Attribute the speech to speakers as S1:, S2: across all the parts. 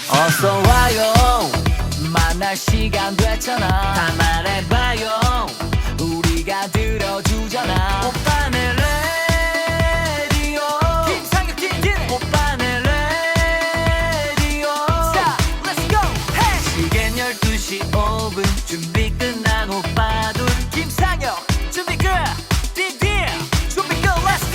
S1: 어서 와요 만날 시간 됐잖아 다 말해봐요 우리가 들어주잖아 오빠네 라디오 김상혁 김기래 오빠네 라디오 Stop let's go hey 시간 12시 5분 준비 끝난 오빠들 김상혁 준비 끝 디디 준비 끝 let's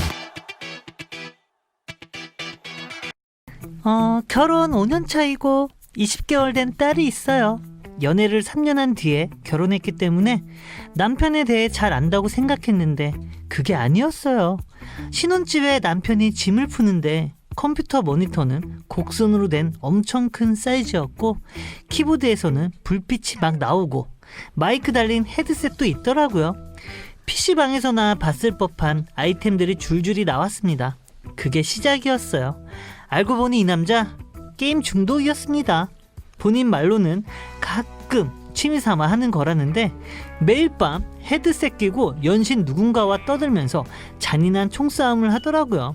S1: go
S2: 결혼 5년 차이고 20개월 된 딸이 있어요. 연애를 3년 한 뒤에 결혼했기 때문에 남편에 대해 잘 안다고 생각했는데 그게 아니었어요. 신혼집에 남편이 짐을 푸는데 컴퓨터 모니터는 곡선으로 된 엄청 큰 사이즈였고 키보드에서는 불빛이 막 나오고 마이크 달린 헤드셋도 있더라고요. PC방에서나 봤을 법한 아이템들이 줄줄이 나왔습니다. 그게 시작이었어요. 알고 보니 이 남자 게임 중독이었습니다. 본인 말로는 가끔 취미삼아 하는 거라는데 매일 밤 헤드셋 끼고 연신 누군가와 떠들면서 잔인한 총싸움을 하더라고요.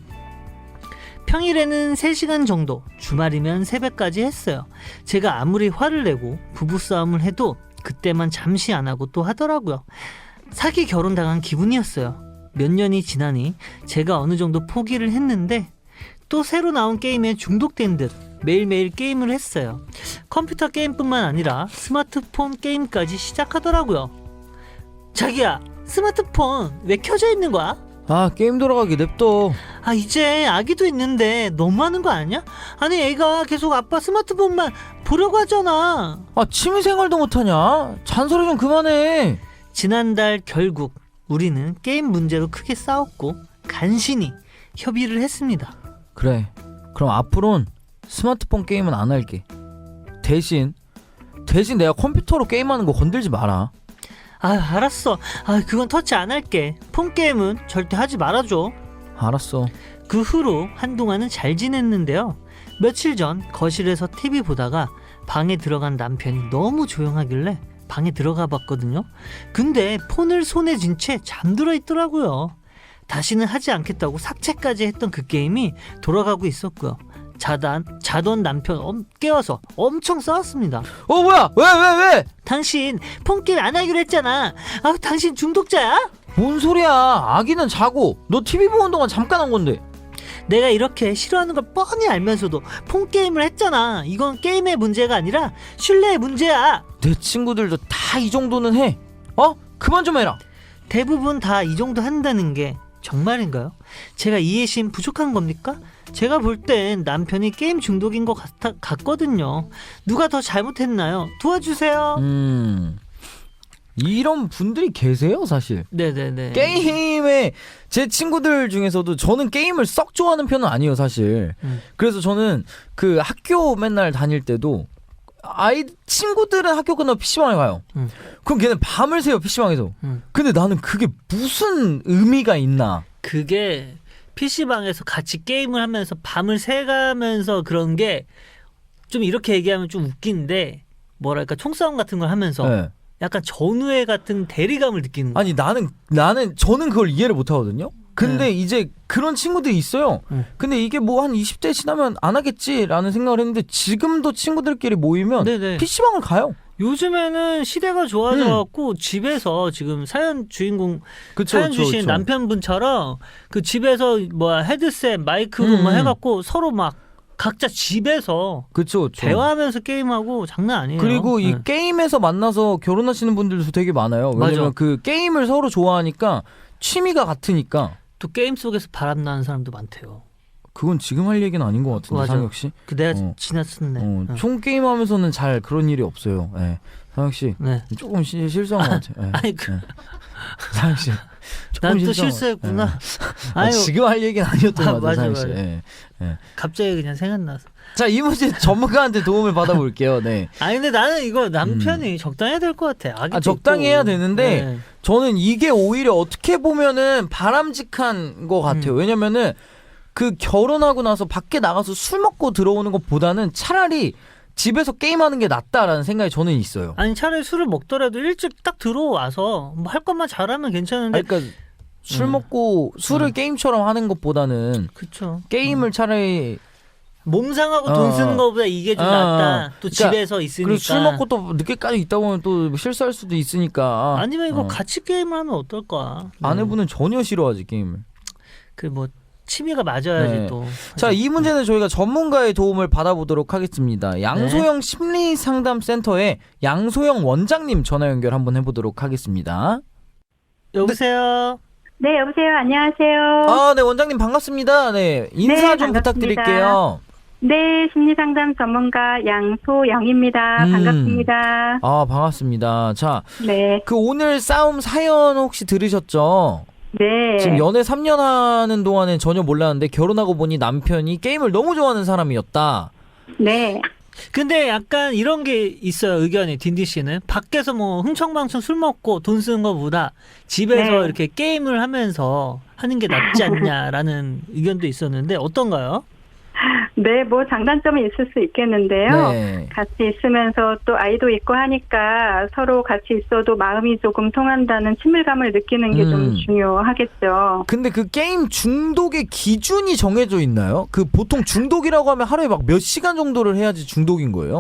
S2: 평일에는 3시간 정도, 주말이면 새벽까지 했어요. 제가 아무리 화를 내고 부부싸움을 해도 그때만 잠시 안 하고 또 하더라고요. 사기 결혼당한 기분이었어요. 몇 년이 지나니 제가 어느 정도 포기를 했는데 또 새로 나온 게임에 중독된 듯 매일매일 게임을 했어요. 컴퓨터 게임뿐만 아니라 스마트폰 게임까지 시작하더라고요. 자기야, 스마트폰 왜 켜져 있는 거야?
S3: 아 게임 돌아가게 냅둬.
S2: 이제 아기도 있는데 너무하는 거 아니야? 아니 애가 계속 아빠 스마트폰만 보려고 하잖아.
S3: 아 취미생활도 못하냐? 잔소리 좀 그만해.
S2: 지난달 결국 우리는 게임 문제로 크게 싸웠고 간신히 협의를 했습니다.
S3: 그래 그럼 앞으론 스마트폰 게임은 안 할게. 대신 내가 컴퓨터로 게임하는 거 건들지 마라.
S2: 알았어. 그건 터치 안 할게. 폰 게임은 절대 하지 말아줘.
S3: 알았어.
S2: 그 후로 한동안은 잘 지냈는데요. 며칠 전 거실에서 TV 보다가 방에 들어간 남편이 너무 조용하길래 방에 들어가 봤거든요. 근데 폰을 손에 쥔 채 잠들어 있더라고요. 다시는 하지 않겠다고 삭제까지 했던 그 게임이 돌아가고 있었고요. 자던 남편 깨워서 엄청 싸웠습니다.
S3: 뭐야 왜?
S2: 당신 폰게임 안 하기로 했잖아. 당신 중독자야?
S3: 뭔 소리야. 아기는 자고 너 TV 보는 동안 잠깐 한 건데.
S2: 내가 이렇게 싫어하는 걸 뻔히 알면서도 폰게임을 했잖아. 이건 게임의 문제가 아니라 신뢰의 문제야.
S3: 내 친구들도 다 이 정도는 해. 그만 좀 해라.
S2: 대부분 다 이 정도 한다는 게 정말인가요? 제가 이해심 부족한 겁니까? 제가 볼 땐 남편이 게임 중독인 것 같거든요. 누가 더 잘못했나요? 도와주세요.
S3: 이런 분들이 계세요 사실.
S2: 네네네.
S3: 게임에 제 친구들 중에서도 저는 게임을 썩 좋아하는 편은 아니에요 사실. 그래서 저는 그 학교 맨날 다닐 때도 친구들은 학교 끝나고 PC방에 가요. 그럼 걔는 밤을 새요 PC방에서. 근데 나는 그게 무슨 의미가 있나.
S2: 그게 PC방에서 같이 게임을 하면서 밤을 새가면서 그런 게 좀 이렇게 얘기하면 좀 웃긴데 뭐랄까 총싸움 같은 걸 하면서
S3: 네.
S2: 약간 전우애 같은 대리감을 느끼는 거야.
S3: 아니 저는 그걸 이해를 못 하거든요. 근데 이제 그런 친구들이 있어요. 근데 이게 뭐 한 20대 지나면 안 하겠지라는 생각을 했는데 지금도 친구들끼리 모이면
S2: 네네.
S3: PC방을 가요.
S2: 요즘에는 시대가 좋아져갖고 집에서 지금 사연 주인공 사연 주신 남편분처럼 그 집에서 헤드셋 마이크로 해갖고 서로 막 각자 집에서
S3: 그쵸.
S2: 대화하면서 게임하고 장난 아니에요.
S3: 그리고 이 게임에서 만나서 결혼하시는 분들도 되게 많아요. 왜냐면
S2: 맞아.
S3: 그 게임을 서로 좋아하니까 취미가 같으니까.
S2: 또 게임 속에서 바람 나는 사람도 많대요.
S3: 그건 지금 할 얘기는 아닌 것 같은데 상혁 씨.
S2: 내가 지났었네.
S3: 총 게임 하면서는 잘 그런 일이 없어요. 네. 상혁 씨 조금 실수한 것 같아요.
S2: 아니
S3: 상혁 씨.
S2: 난 또 실수했구나.
S3: 지금 할 얘기는 아니었던 것 같아요.
S2: 맞아. 갑자기 그냥 생각나서.
S3: 자, 이 문제 전문가한테 도움을 받아볼게요. 네.
S2: 근데 나는 이거 남편이 적당해야 될 것 같아.
S3: 적당히 해야 되는데 저는 이게 오히려 어떻게 보면은 바람직한 것 같아요. 왜냐면은 그 결혼하고 나서 밖에 나가서 술 먹고 들어오는 것보다는 차라리 집에서 게임하는 게 낫다라는 생각이 저는 있어요.
S2: 차라리 술을 먹더라도 일찍 딱 들어와서 뭐 할 것만 잘하면 괜찮은데.
S3: 그러니까 술 먹고 술을 게임처럼 하는 것보다는
S2: 그쵸.
S3: 게임을 차라리
S2: 몸 상하고 돈 쓰는 것보다 이게 좀 낫다. 또
S3: 그러니까,
S2: 집에서 있으니까.
S3: 그리고 술 먹고 또 늦게까지 있다 보면 또 실수할 수도 있으니까.
S2: 아니면 이거 같이 게임을 하면 어떨까?
S3: 아내분은 전혀 싫어하지 게임을.
S2: 그 뭐 취미가 맞아야지
S3: 네.
S2: 또.
S3: 자, 이 문제는 저희가 전문가의 도움을 받아보도록 하겠습니다. 양소영 심리상담센터의 양소영 원장님 전화 연결 한번 해보도록 하겠습니다.
S2: 여보세요.
S4: 네, 여보세요. 안녕하세요.
S3: 아, 네, 원장님 반갑습니다. 네, 인사
S4: 네,
S3: 좀
S4: 반갑습니다.
S3: 부탁드릴게요.
S4: 네, 심리상담 전문가 양소영입니다. 반갑습니다.
S3: 아, 반갑습니다. 자,
S4: 네,
S3: 그 오늘 싸움 사연 혹시 들으셨죠?
S4: 네.
S3: 지금 연애 3년 하는 동안엔 전혀 몰랐는데 결혼하고 보니 남편이 게임을 너무 좋아하는 사람이었다.
S4: 네.
S2: 근데 약간 이런 게 있어요. 의견이 딘디 씨는 밖에서 뭐 흥청망청 술 먹고 돈 쓰는 것보다 집에서
S4: 네.
S2: 이렇게 게임을 하면서 하는 게 낫지 않냐라는 의견도 있었는데 어떤가요?
S4: 네, 뭐 장단점이 있을 수 있겠는데요.
S3: 네.
S4: 같이 있으면서 또 아이도 있고 하니까 서로 같이 있어도 마음이 조금 통한다는 친밀감을 느끼는 게 좀 중요하겠죠.
S3: 근데 그 게임 중독의 기준이 정해져 있나요? 그 보통 중독이라고 하면 하루에 막 몇 시간 정도를 해야지 중독인 거예요?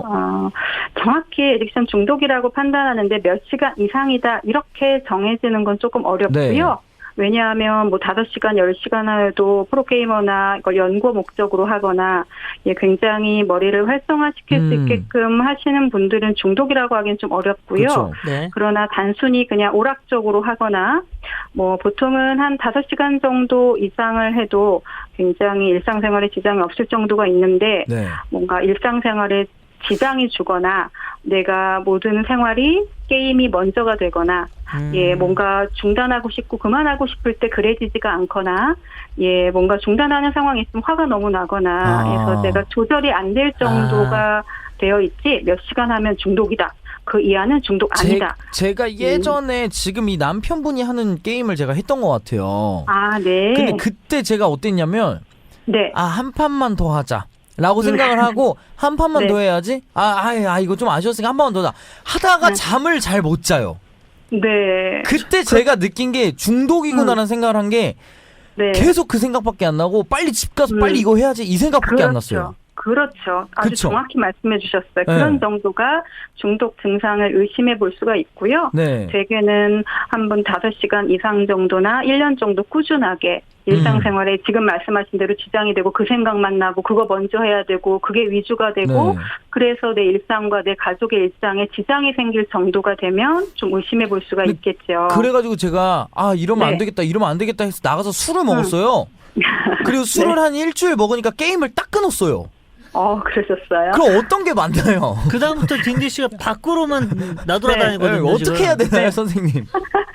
S4: 정확히 에딕션 중독이라고 판단하는데 몇 시간 이상이다 이렇게 정해지는 건 조금 어렵고요.
S3: 네.
S4: 왜냐하면 뭐 5시간, 10시간 해도 프로게이머나 이걸 연구 목적으로 하거나 굉장히 머리를 활성화시킬 수 있게끔 하시는 분들은 중독이라고 하기엔 좀 어렵고요.
S3: 그렇죠.
S2: 네.
S4: 그러나 단순히 그냥 오락적으로 하거나 뭐 보통은 한 5시간 정도 이상을 해도 굉장히 일상생활에 지장이 없을 정도가 있는데
S3: 네.
S4: 뭔가 일상생활에 지장이 주거나 내가 모든 생활이 게임이 먼저가 되거나 뭔가 중단하고 싶고 그만하고 싶을 때 그래지지가 않거나 뭔가 중단하는 상황이 있으면 화가 너무 나거나 해서 내가 조절이 안 될 정도가 되어 있지 몇 시간 하면 중독이다. 그 이하는 중독 아니다.
S3: 제가 예전에 지금 이 남편분이 하는 게임을 제가 했던 것 같아요.
S4: 아, 네.
S3: 근데 그때 제가 어땠냐면
S4: 네.
S3: 한 판만 더 하자. 라고 생각을 하고 한 판만
S4: 네.
S3: 더 해야지. 이거 좀 아쉬웠으니까 한 판만 더 하자. 하다가 잠을 잘 못 자요.
S4: 네.
S3: 그때 제가 느낀 게 중독이구나라는 생각을 한 게
S4: 네.
S3: 계속 그 생각밖에 안 나고 빨리 집 가서 빨리 이거 해야지 이 생각밖에 안 났어요.
S4: 그렇죠. 아주
S3: 그쵸?
S4: 정확히 말씀해 주셨어요.
S3: 네.
S4: 그런 정도가 중독 증상을 의심해 볼 수가 있고요.
S3: 네.
S4: 대개는 한 번 5시간 이상 정도나 1년 정도 꾸준하게 일상생활에 지금 말씀하신 대로 지장이 되고 그 생각만 나고 그거 먼저 해야 되고 그게 위주가 되고
S3: 네.
S4: 그래서 내 일상과 내 가족의 일상에 지장이 생길 정도가 되면 좀 의심해 볼 수가 있겠죠.
S3: 그래가지고 제가 이러면
S4: 네.
S3: 이러면 안 되겠다 해서 나가서 술을 먹었어요. 그리고 술을 한 일주일 먹으니까 게임을 딱 끊었어요.
S4: 그러셨어요?
S3: 그럼 어떤 게 맞나요?
S2: 그 다음부터 딘디 씨가 밖으로만 나돌아다니거든요.
S3: 어떻게 해야 되나요,
S4: 네.
S3: 선생님?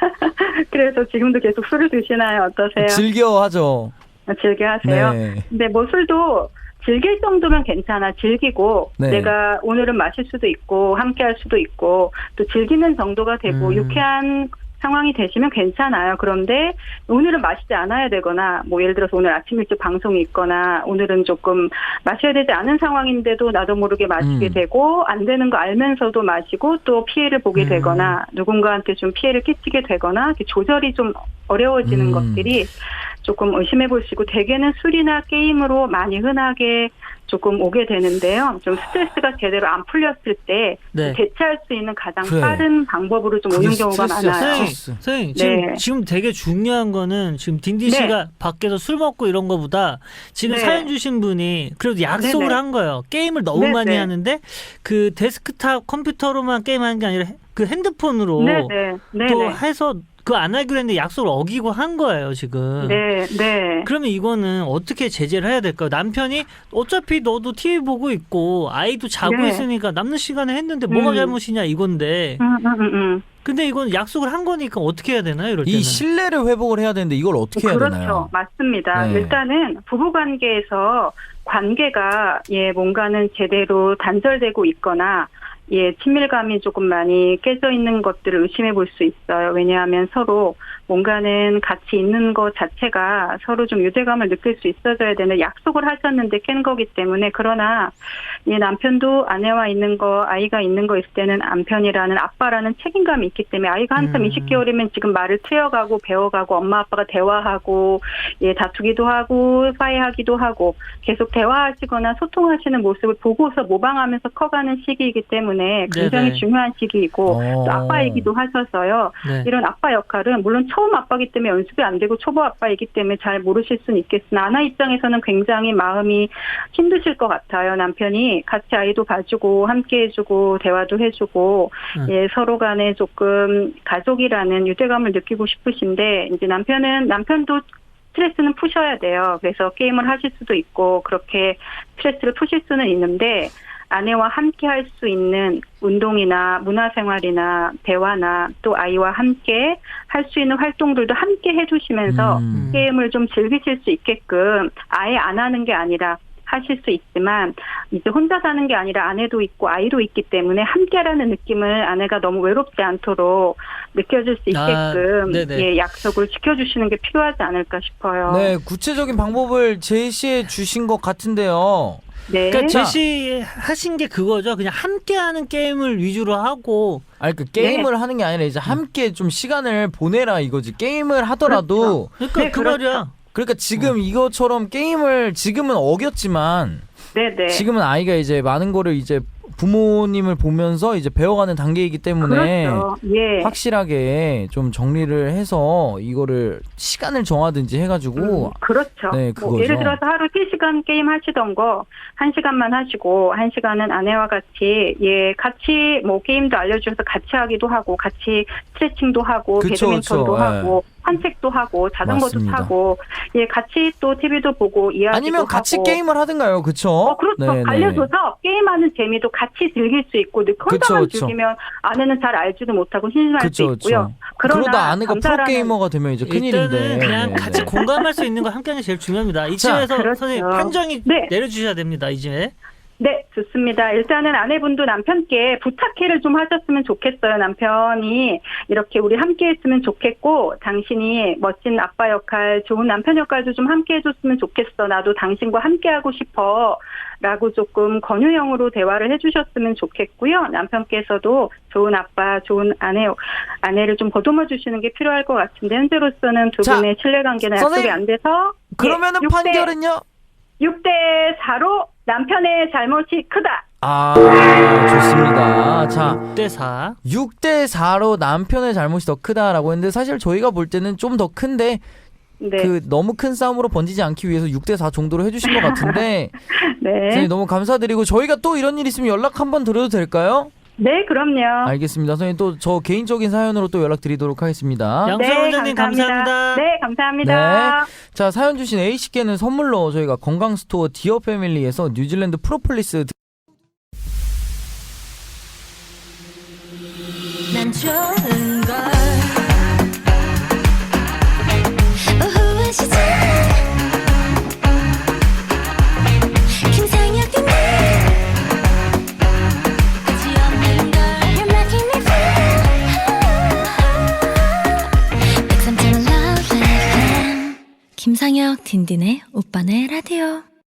S4: 그래서 지금도 계속 술을 드시나요? 어떠세요?
S3: 즐겨 하죠.
S4: 즐겨 하세요?
S3: 네.
S4: 근데 뭐 술도 즐길 정도면 괜찮아. 즐기고
S3: 네.
S4: 내가 오늘은 마실 수도 있고 함께 할 수도 있고 또 즐기는 정도가 되고 유쾌한 상황이 되시면 괜찮아요. 그런데 오늘은 마시지 않아야 되거나 뭐 예를 들어서 오늘 아침 일찍 방송이 있거나 오늘은 조금 마셔야 되지 않은 상황인데도 나도 모르게 마시게 되고 안 되는 거 알면서도 마시고 또 피해를 보게 되거나 누군가한테 좀 피해를 끼치게 되거나 이렇게 조절이 좀 어려워지는 것들이 조금 의심해 보시고 대개는 술이나 게임으로 많이 흔하게 조금 오게 되는데요. 좀 스트레스가 제대로 안 풀렸을 때
S2: 네.
S4: 대체할 수 있는 가장
S3: 그래.
S4: 빠른 방법으로 좀 오는 경우가 많아요.
S2: 선생님,
S4: 네.
S2: 지금 되게 중요한 거는 지금 딘디
S4: 네.
S2: 씨가 밖에서 술 먹고 이런 거보다 지금
S4: 네.
S2: 사연 주신 분이 그래도 약속을
S4: 네네.
S2: 한 거예요. 게임을 너무
S4: 네네.
S2: 많이 하는데 그 데스크탑 컴퓨터로만 게임하는 게 아니라 그 핸드폰으로
S4: 네네.
S2: 또 해서 그거 안 하기로 했는데 약속을 어기고 한 거예요, 지금.
S4: 네, 네.
S2: 그러면 이거는 어떻게 제재를 해야 될까요? 남편이 어차피 너도 TV 보고 있고 아이도 자고
S4: 네.
S2: 있으니까 남는 시간에 했는데 뭐가 잘못이냐 이건데. 근데 이건 약속을 한 거니까 어떻게 해야 되나요? 이럴 때는.
S3: 이 신뢰를 회복을 해야 되는데 이걸 어떻게 해야
S4: 그렇죠.
S3: 되나요?
S4: 맞습니다.
S3: 네.
S4: 일단은 부부관계에서 관계가 뭔가는 제대로 단절되고 있거나 친밀감이 조금 많이 깨져 있는 것들을 의심해 볼 수 있어요. 왜냐하면 서로 뭔가는 같이 있는 것 자체가 서로 좀 유대감을 느낄 수 있어져야 되는 약속을 하셨는데 깬 거기 때문에 그러나 이 남편도 아내와 있는 거 아이가 있는 거 있을 때는 남편이라는 아빠라는 책임감이 있기 때문에 아이가 한참 20개월이면 지금 말을 트여가고 배워가고 엄마 아빠가 대화하고 예 다투기도 하고 화해하기도 하고 계속 대화하시거나 소통하시는 모습을 보고서 모방하면서 커가는 시기이기 때문에 굉장히
S2: 네네.
S4: 중요한 시기이고 또 아빠이기도 하셔서요.
S2: 네.
S4: 이런 아빠 역할은 물론 처음 아빠이기 때문에 연습이 안 되고 초보 아빠이기 때문에 잘 모르실 수는 있겠으나 아나 입장에서는 굉장히 마음이 힘드실 것 같아요. 남편이 같이 아이도 봐주고 함께 해주고 대화도 해주고 예, 서로 간에 조금 가족이라는 유대감을 느끼고 싶으신데 이제 남편도 스트레스는 푸셔야 돼요. 그래서 게임을 하실 수도 있고 그렇게 스트레스를 푸실 수는 있는데 아내와 함께 할 수 있는 운동이나 문화생활이나 대화나 또 아이와 함께 할 수 있는 활동들도 함께 해주시면서 게임을 좀 즐기실 수 있게끔 아예 안 하는 게 아니라 하실 수 있지만 이제 혼자 사는 게 아니라 아내도 있고 아이도 있기 때문에 함께라는 느낌을 아내가 너무 외롭지 않도록 느껴질 수 있게끔 예, 약속을 지켜주시는 게 필요하지 않을까 싶어요.
S3: 네, 구체적인 방법을 제시해 주신 것 같은데요.
S4: 네.
S2: 그러니까 제시하신 게 그거죠. 그냥 함께하는 게임을 위주로 하고.
S3: 아니 그 게임을 하는 게 아니라 이제 함께 좀 시간을 보내라 이거지. 게임을 하더라도
S2: 그러니까
S4: 네,
S2: 그 말이야.
S3: 그러니까 지금 이것처럼 게임을 지금은 어겼지만
S4: 네네.
S3: 지금은 아이가 이제 많은 거를 이제 부모님을 보면서 이제 배워가는 단계이기 때문에
S4: 그렇죠. 예.
S3: 확실하게 좀 정리를 해서 이거를 시간을 정하든지 해가지고
S4: 그렇죠.
S3: 네,
S4: 뭐
S3: 그거죠.
S4: 예를 들어서 하루 3시간 게임 하시던 거 1시간만 하시고 1시간은 아내와 같이 뭐 게임도 알려주셔서 같이 하기도 하고 같이 스트레칭도 하고
S3: 그쵸,
S4: 배드민턴도
S3: 그쵸.
S4: 하고 산책도 하고 자전거도
S3: 맞습니다.
S4: 타고 예 같이 또 TV도 보고 이야기도
S3: 아니면 같이
S4: 하고.
S3: 게임을 하든가요, 그렇죠?
S4: 그렇죠.
S3: 네, 네.
S4: 알려줘서 게임하는 재미도 같이 즐길 수 있고 혼자만
S3: 그쵸, 그쵸.
S4: 즐기면 아내는 잘 알지도 못하고 심심할 수
S3: 그쵸,
S4: 있고요.
S3: 그쵸. 그러다 아내가 프로게이머가 되면 이제 큰일인데.
S2: 일단은 그냥
S3: 네,
S2: 같이
S3: 네.
S2: 공감할 수 있는 거 함께하는 게 제일 중요합니다.
S3: 자,
S2: 이쯤에서
S4: 그렇죠.
S2: 선생님 판정이
S4: 네.
S2: 내려주셔야 됩니다. 이제.
S4: 네, 좋습니다. 일단은 아내분도 남편께 부탁해를 좀 하셨으면 좋겠어요. 남편이 이렇게 우리 함께 했으면 좋겠고 당신이 멋진 아빠 역할, 좋은 남편 역할도 좀 함께 해줬으면 좋겠어. 나도 당신과 함께 하고 싶어. 라고 조금 권유형으로 대화를 해주셨으면 좋겠고요. 남편께서도 좋은 아빠, 좋은 아내를 좀 보듬어 주시는 게 필요할 것 같은데 현재로서는 두
S3: 자,
S4: 분의 신뢰관계나 약속이
S3: 선생님,
S4: 안 돼서
S3: 그러면은 판결은요?
S4: 6대4로 남편의 잘못이 크다.
S3: 좋습니다. 자,
S2: 6대4.
S3: 6대4로 남편의 잘못이 더 크다라고 했는데 사실 저희가 볼 때는 좀 더 큰데
S4: 네.
S3: 그 너무 큰 싸움으로 번지지 않기 위해서 6대4 정도로 해주신 것 같은데
S4: 네.
S3: 선생님 너무 감사드리고 저희가 또 이런 일 있으면 연락 한번 드려도 될까요?
S4: 네, 그럼요.
S3: 알겠습니다. 선생님 또 저 개인적인 사연으로 또 연락드리도록 하겠습니다.
S2: 양수영 원장님 감사합니다.
S4: 네, 감사합니다.
S3: 자, 사연 주신 A씨께는 선물로 저희가 건강스토어 디어 패밀리에서 뉴질랜드 프로폴리스
S5: 난 좋은 걸 오후의 시절 김상혁 등 끝이 없는 걸 You're making me feel 103.1 Love FM 김상혁 딘딘의 오빠네 라디오